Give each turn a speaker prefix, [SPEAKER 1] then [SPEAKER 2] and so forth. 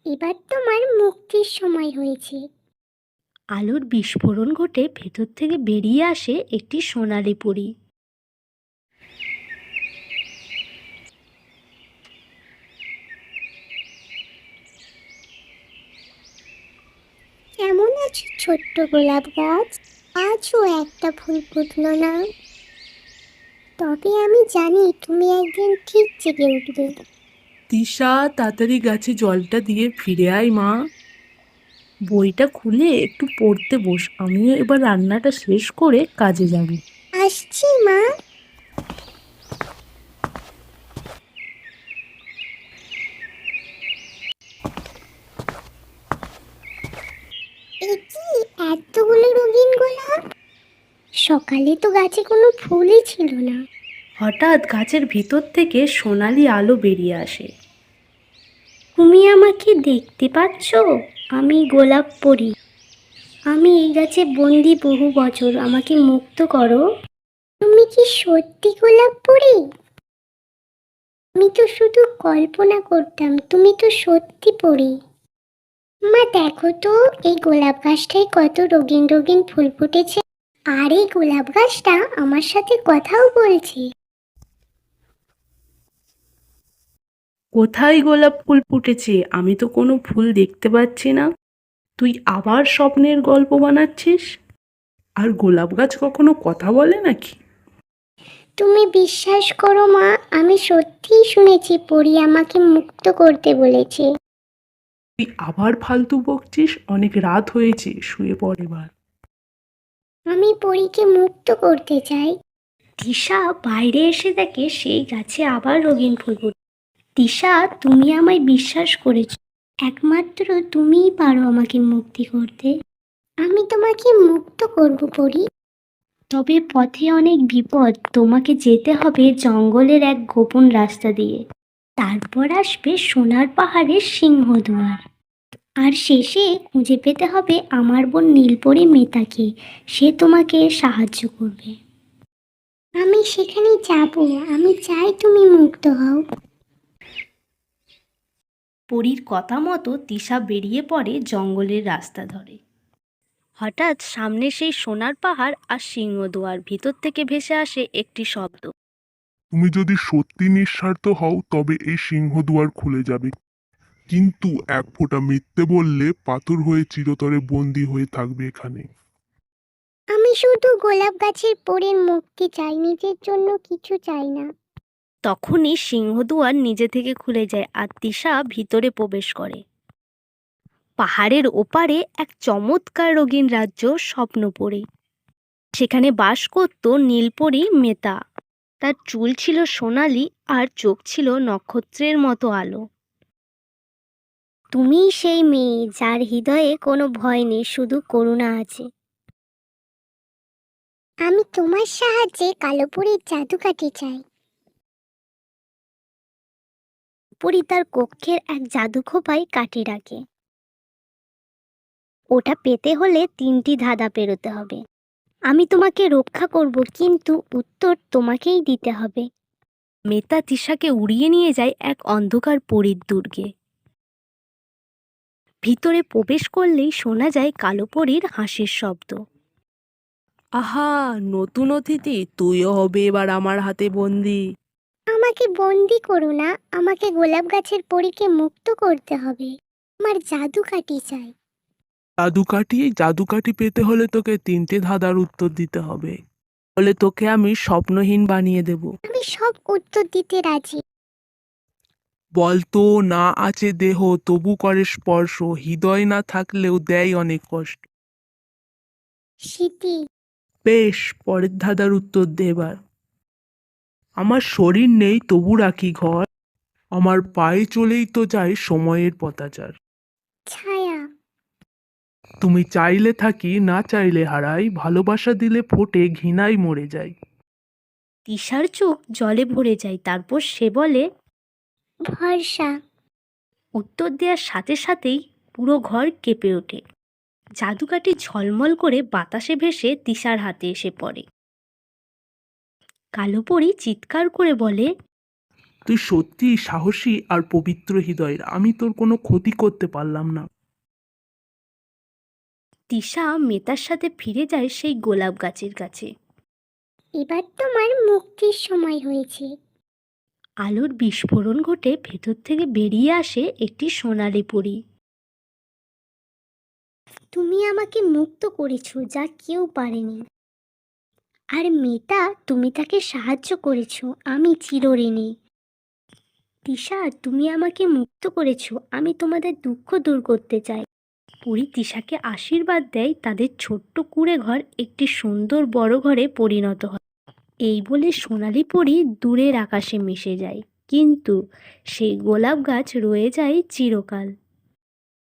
[SPEAKER 1] এবার তোমার মুক্তির সময় হয়েছে।
[SPEAKER 2] আলোর বিস্ফোরণ ঘটে ভেতর থেকে বেরিয়ে আসে একটি সোনালী পরী।
[SPEAKER 1] কেমন আছো ছোট্ট গোলাপ গাছ? আজও একটা ফুল ফুটলো না। তবে আমি জানি তুমি একদিন ঠিক জেগে উঠবে।
[SPEAKER 3] তিশা, তাড়াতাড়ি গাছে জলটা দিয়ে ফিরে আয় মা। বইটা খুলে একটু পড়তে বস, আমিও এবার রান্নাটা শেষ করে কাজে যাব।
[SPEAKER 1] আসছি মা। এ কি এতগুলো রঙিন গোলাপ! সকালে তো গাছে কোনো ফুলই ছিল না।
[SPEAKER 2] হঠাৎ গাছের ভিতর থেকে সোনালি আলো বেরিয়ে আসে। তুমি আমাকে দেখতে পাচ্ছ? আমি গোলাপ পরী। আমি এই গাছে বন্দি বহু বছর, আমাকে মুক্ত করো।
[SPEAKER 1] তুমি কি সত্যি গোলাপ পরি? আমি তো শুধু কল্পনা করতাম, তুমি তো সত্যি পরি। মা দেখো তো, এই গোলাপ গাছটায় কত রঙিন রঙিন ফুল ফুটেছে। আর এই গোলাপ গাছটা আমার সাথে কথাও বলছে।
[SPEAKER 3] কোথায় গোলাপ ফুল ফুটেছে? আমি তো কোনো ফুল দেখতে পাচ্ছি না। তুই আবার স্বপ্নের গল্প বানাচ্ছিস? আর গোলাপ গাছ কখনো কথা বলে নাকি?
[SPEAKER 1] তুমি বিশ্বাস করো মা, আমি সত্যিই শুনেছি পরি আমাকে মুক্ত করতে বলেছে।
[SPEAKER 3] তুই আবার ফালতু বকছিস, অনেক রাত হয়েছে, শুয়ে পড় এবার।
[SPEAKER 1] আমি পরীকে মুক্ত করতে চাই।
[SPEAKER 2] তিশা বাইরে এসে দেখে সেই গাছে আবার রঙিন ফুল ফুটে। তিশা, তুমি আমায় বিশ্বাস করেছ, একমাত্র তুমিই পারো আমাকে মুক্তি করতে।
[SPEAKER 1] আমি তোমাকে মুক্ত করব পরি।
[SPEAKER 2] তবে পথে অনেক বিপদ, তোমাকে যেতে হবে জঙ্গলের এক গোপন রাস্তা দিয়ে। তারপর আসবে সোনার পাহাড়ের সিংহদুয়ার। আর শেষে খুঁজে পেতে হবে আমার বোন নীলপরি মেতাকে। সে তোমাকে সাহায্য করবে।
[SPEAKER 1] আমি সেখানে যাব, আমি চাই তুমি মুক্ত হও।
[SPEAKER 2] পরীর কথা মতো তিশা বেরিয়ে পড়ে জঙ্গলের রাস্তা ধরে। হঠাৎ সামনে সেই সোনার পাহাড় আর সিংহদুয়ার, ভিতর থেকে ভেসে আসে একটি শব্দ।
[SPEAKER 4] তুমি যদি সত্যি নিঃস্বার্থ হও তবে এই সিংহদুয়ার খুলে যাবে, কিন্তু এক ফোঁটা মিথ্যে বললে পাথর হয়ে চিরতরে বন্দী হয়ে থাকবে এখানে।
[SPEAKER 1] আমি শুধু গোলাপ গাছের পরীর মুক্তি চাই, নিজের জন্য কিছু চাই না।
[SPEAKER 2] তখনই সিংহদুয়ার নিজে থেকে খুলে যায় আর তিশা ভিতরে প্রবেশ করে। পাহাড়ের ওপারে এক চমৎকার রঙিন রাজ্য স্বপ্ন পড়ে। সেখানে বাস করত নীলপরি মেতা। তার চুল ছিল সোনালি আর চোখ ছিল নক্ষত্রের মতো আলো।
[SPEAKER 1] তুমিই সেই মেয়ে যার হৃদয়ে কোনো ভয় নেই, শুধু করুণা আছে। আমি তোমার সাহায্যে কালো পরীর জাদুকাঠি চাই।
[SPEAKER 2] পরি তার কক্ষের এক জাদু খোপায় কাঠি রাখে। ওটা পেতে হলে 3টি ধাঁধা পেরোতে হবে। আমি তোমাকে রক্ষা করব, কিন্তু উত্তর তোমাকেই দিতে হবে। মেতা তিশাকে উড়িয়ে নিয়ে যায় এক অন্ধকার পরীর দুর্গে। ভিতরে প্রবেশ করলেই শোনা যায় কালো পরীর হাসির শব্দ।
[SPEAKER 3] আহা, নতুন অতিথি, তুইও হবে এবার আমার হাতে বন্দি।
[SPEAKER 1] আমাকে বন্দি করো না, আমাকে গোলাপ গাছের পরীকে মুক্ত করতে হবে। আমার জাদুকাঠি চাই।
[SPEAKER 3] জাদুকাঠি পেতে হলে তোকে 3টে ধাঁধার উত্তর দিতে হবে, বলে তোকে আমি স্বপ্নহীন বানিয়ে দেব।
[SPEAKER 1] আমি সব উত্তর দিতে রাজি।
[SPEAKER 3] বলতো, না আছে দেহ তবু করে স্পর্শ, হৃদয় না থাকলেও দেয় অনেক কষ্ট।
[SPEAKER 1] স্মৃতি।
[SPEAKER 3] বেশ, পরের ধাঁধার উত্তর দে এবার। আমার শরীর নেই তবু রাখি ঘর, আমার পায়ে চলেই তো যায় সময়ের পতাচার।
[SPEAKER 1] ছায়া।
[SPEAKER 3] তুমি চাইলে থাকি, না চাইলে হারাই, ভালোবাসা দিলে ফোটে, ঘৃণায় মরে যায়।
[SPEAKER 2] তিশার চোখ জলে ভরে যায়, তারপর সে বলে,
[SPEAKER 1] ভরসা।
[SPEAKER 2] উত্তর দেওয়ার সাথে সাথেই পুরো ঘর কেঁপে ওঠে। জাদুকাঠি ঝলমল করে বাতাসে ভেসে তিশার হাতে এসে পড়ে। কালো পরী চিৎকার করে বলে,
[SPEAKER 3] তুই সত্যি সাহসী আর পবিত্র হৃদয়ের, আমি তোর কোনো ক্ষতি করতে পারলাম না।
[SPEAKER 2] তিশা মেতার সাথে ফিরে যায় সেই গোলাপ গাছের কাছে।
[SPEAKER 1] এবার তোমার মুক্তির সময় হয়েছে।
[SPEAKER 2] আলোর বিস্ফোরণ ঘটে, ভেতর থেকে বেরিয়ে আসে একটি সোনালি পরী।
[SPEAKER 1] তুমি আমাকে মুক্ত করেছো যা কেউ পারেনি। আর মেয়েটা, তুমি তাকে সাহায্য করেছো, আমি চিরঋণী। তিশা, তুমি আমাকে মুক্ত করেছো, আমি তোমাদের দুঃখ দূর করতে চাই।
[SPEAKER 2] পরী তিশাকে আশীর্বাদ দেয়, তাদের ছোট্ট কুঁড়ে ঘর একটি সুন্দর বড় ঘরে পরিণত হয়। এই বলে সোনালি পরী দূরের আকাশে মিশে যায়, কিন্তু সেই গোলাপ গাছ রয়ে যায় চিরকাল।